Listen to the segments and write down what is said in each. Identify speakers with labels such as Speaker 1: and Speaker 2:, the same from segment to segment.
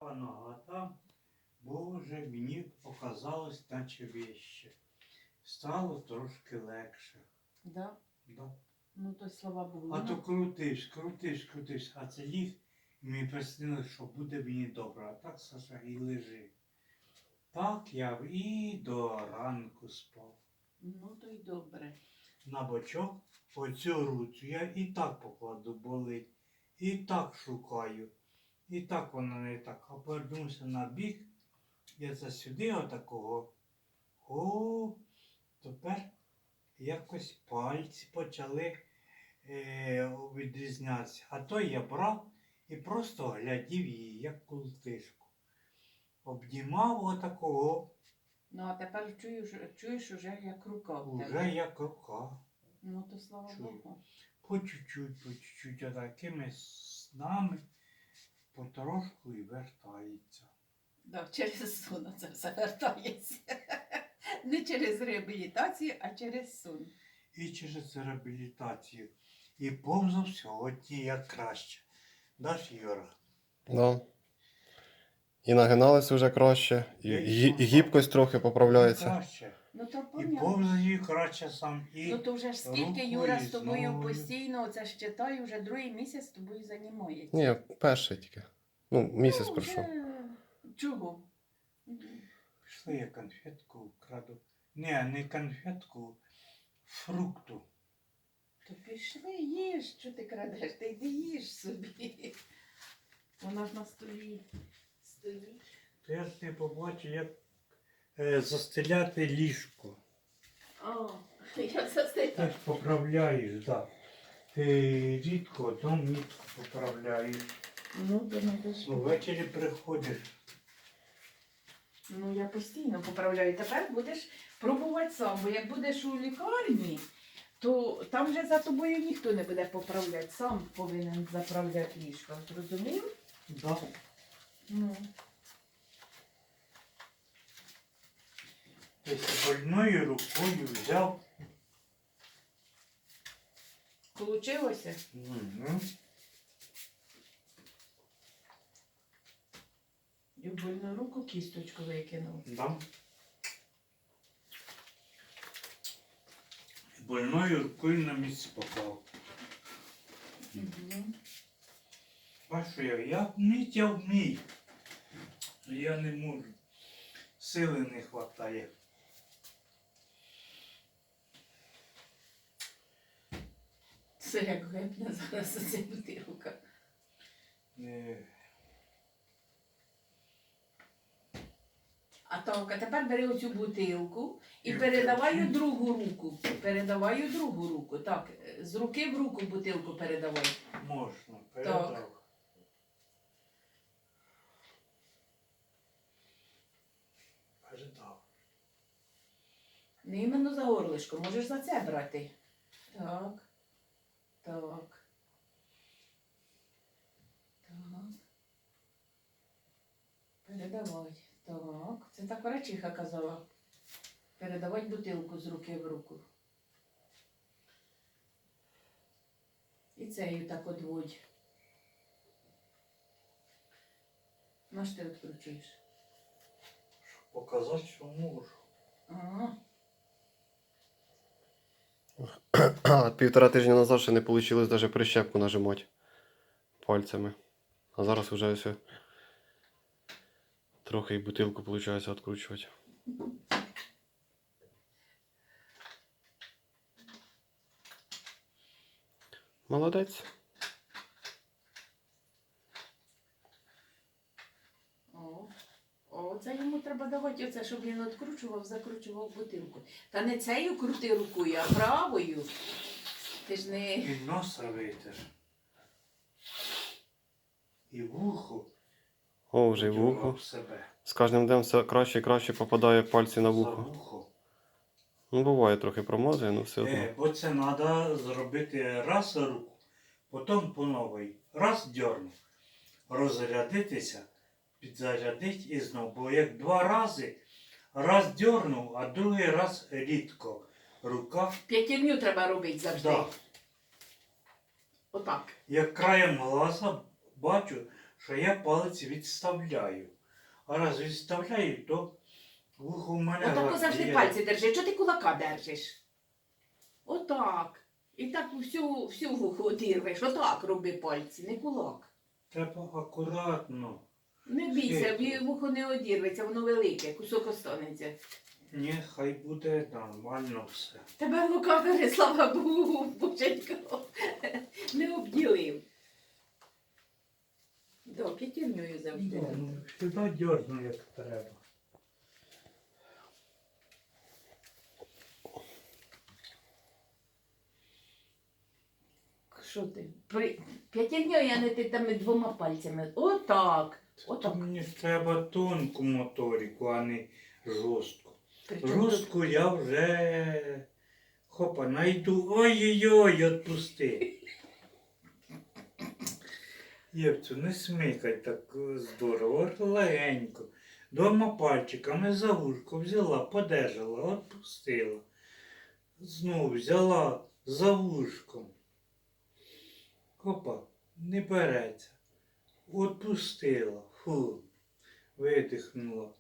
Speaker 1: права нога там. Боже, мені показалось, наче вище. Стало трошки легше.
Speaker 2: Да?
Speaker 1: Да.
Speaker 2: Ну то й слава Богу.
Speaker 1: А то крутився, а це ліг, і мені приснилось, що буде мені добре. А так, Саша, і лежи. Так я і до ранку спав.
Speaker 2: Ну то й добре.
Speaker 1: На бочок оцю руцю я і так покладу, болить, і так шукаю. І так вона не так. А повернувся на бік, я це сюди отакого. О, тепер якось пальці почали відрізнятися. А то я брав і просто глядів її, як култишку. Обнімав отакого.
Speaker 2: Ну а тепер чуєш уже як рука в тебе.
Speaker 1: Уже як рука.
Speaker 2: Ну то слава
Speaker 1: Чую.
Speaker 2: Богу.
Speaker 1: По чуть-чуть, отакими снами потрошку і вертається.
Speaker 2: Да, через сон це все вертається. Не через реабілітацію, а через сон.
Speaker 1: І через реабілітацію. І повзав сьогодні як краще. Даш, Юра?
Speaker 3: Да. І нагиналися вже краще, і гібкость трохи поправляється.
Speaker 1: Краще.
Speaker 2: Ну то
Speaker 1: І
Speaker 2: понятно.
Speaker 1: повзаю краще сам. І
Speaker 2: Ну то вже ж скільки
Speaker 1: рукою,
Speaker 2: Юра
Speaker 1: і
Speaker 2: з тобою
Speaker 1: ногою.
Speaker 2: постійно, оце ж читаю, вже другий місяць з тобою займається.
Speaker 3: Ні, перший тільки. Ну, місяць
Speaker 2: Ну,
Speaker 3: пройшов.
Speaker 2: вже... Чого?
Speaker 1: Пішли, я конфетку краду. Не конфетку, фрукту.
Speaker 2: То пішли, їж, що ти крадеш, ти йди їж собі. Вона ж на столі стоїть.
Speaker 1: То я ж не побачив, як застеляти ліжко.
Speaker 2: О, як застигла.
Speaker 1: Ти ж поправляєш, так. Ти рідко, то мітко поправляєш.
Speaker 2: Ну, то не дуже.
Speaker 1: Ну, ввечері приходиш.
Speaker 2: Ну, я постійно поправляю. Тепер будеш пробувати сам, бо як будеш у лікарні, то там вже за тобою ніхто не буде поправляти. Сам повинен заправляти ліжко. Зрозумів?
Speaker 1: Да.
Speaker 2: Ну.
Speaker 1: Тобто больною рукою взяв.
Speaker 2: Получилося?
Speaker 1: Угу.
Speaker 2: І в больну руку кісточку викинув.
Speaker 1: Да. Больною рукою на місце попав.
Speaker 2: Угу.
Speaker 1: А що я вміть, я вмію. Я не можу. Сили не вистачає.
Speaker 2: Це як гепне зараз оця бутилка. А так, а тепер бери оцю бутилку і передавай у другу руку. Передавай у другу руку. Так, з руки в руку бутилку передавай.
Speaker 1: Можна, передав. Передав.
Speaker 2: Не іменно за горлишко, можеш за це брати. Так. Так. Так. Передавай. Так. Це так врачиха казала. Передавай бутилку з руки в руку. І цею так одводь. На що ти відкручуєш?
Speaker 1: Щоб показати, що можу.
Speaker 2: Ага.
Speaker 3: А 1,5 тижня назад ще не вийшло навіть прищепку нажимати пальцями. А зараз вже все. Трохи і бутилку виходить відкручувати. Молодець.
Speaker 2: Оце йому треба давати, оце, щоб він відкручував, закручував бутилку. Та не цею крути рукою, а правою. Ти ж не...
Speaker 1: І носа витер. І вухо.
Speaker 3: О, вже й
Speaker 1: Дьоргав
Speaker 3: вухо.
Speaker 1: себе.
Speaker 3: З кожним днем все краще і краще попадає пальці на
Speaker 1: За
Speaker 3: вухо.
Speaker 1: вухо.
Speaker 3: Ну, буває трохи промазує, але все одно.
Speaker 1: Бо це треба зробити раз руку, потім по новій. Раз дьорнув. Розрядитися, підзарядити і знову. Бо як 2 рази, раз дьорнув, а другий раз рідко. Рука.
Speaker 2: П'ятірню треба робити завжди.
Speaker 1: Да.
Speaker 2: Отак.
Speaker 1: Як краєм глаза бачу, що я палець відставляю. А раз відставляю, то вухо в мене
Speaker 2: Отако завжди
Speaker 1: гладіє.
Speaker 2: пальці держи. Чого ти кулака держиш? Отак. І так всю вухо одірвеш. Отак роби пальці, не кулак.
Speaker 1: Треба акуратно.
Speaker 2: Не бійся,
Speaker 1: Світло.
Speaker 2: вухо не одірветься, воно велике, кусок останеться.
Speaker 1: Ні, хай буде нормально все.
Speaker 2: Тебе лукавери, слава Богу, боженько, не обділив. Да, п'ятірнею завжди.
Speaker 1: Сюди дьорну, як треба.
Speaker 2: Що ти? П'ятірнею, а не ти там двома пальцями. Отак. Отак.
Speaker 1: Мені ж треба тонку моторику, а не жорстку.
Speaker 2: Причому тут
Speaker 1: Жорстку я вже хопа, найду. Ой-ой-ой, отпусти. Євцю, не смикай так здорово, легенько. Двома пальчиками за вушко взяла, подержала, отпустила. Знову взяла за вушком. Хопа, не береться. Отпустила. Фу. Видихнула.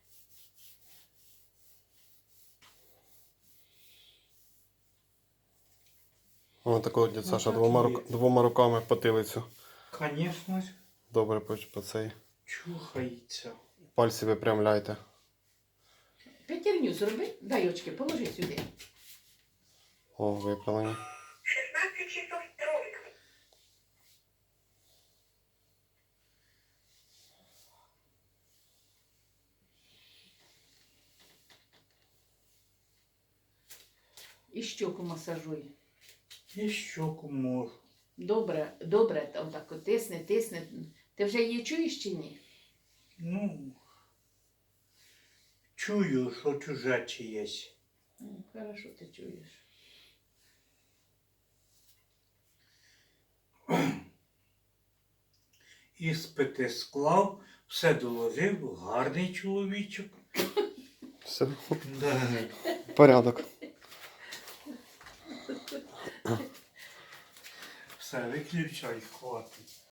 Speaker 3: Ось такого дядь Саша
Speaker 1: так
Speaker 3: двома,
Speaker 1: є.
Speaker 3: двома руками потилицю.
Speaker 1: Конечно,
Speaker 3: Добре по цей.
Speaker 1: чухається.
Speaker 3: Пальці випрямляйте.
Speaker 2: п'ятірню зроби, дай очки, положи сюди.
Speaker 3: О, виправлені.
Speaker 4: 16 часов ровно.
Speaker 2: І щоку масажуй.
Speaker 1: І щоку можу.
Speaker 2: Добре, добре, отак от тисни, тисни. Ти вже її чуєш чи ні?
Speaker 1: Ну, чую, що чуже чиєсь.
Speaker 2: Хорошо, ти чуєш.
Speaker 1: Іспити склав, все доложив, гарний чоловічок.
Speaker 3: Все.
Speaker 1: Да.
Speaker 3: Порядок.
Speaker 1: Все, виключай, хватить.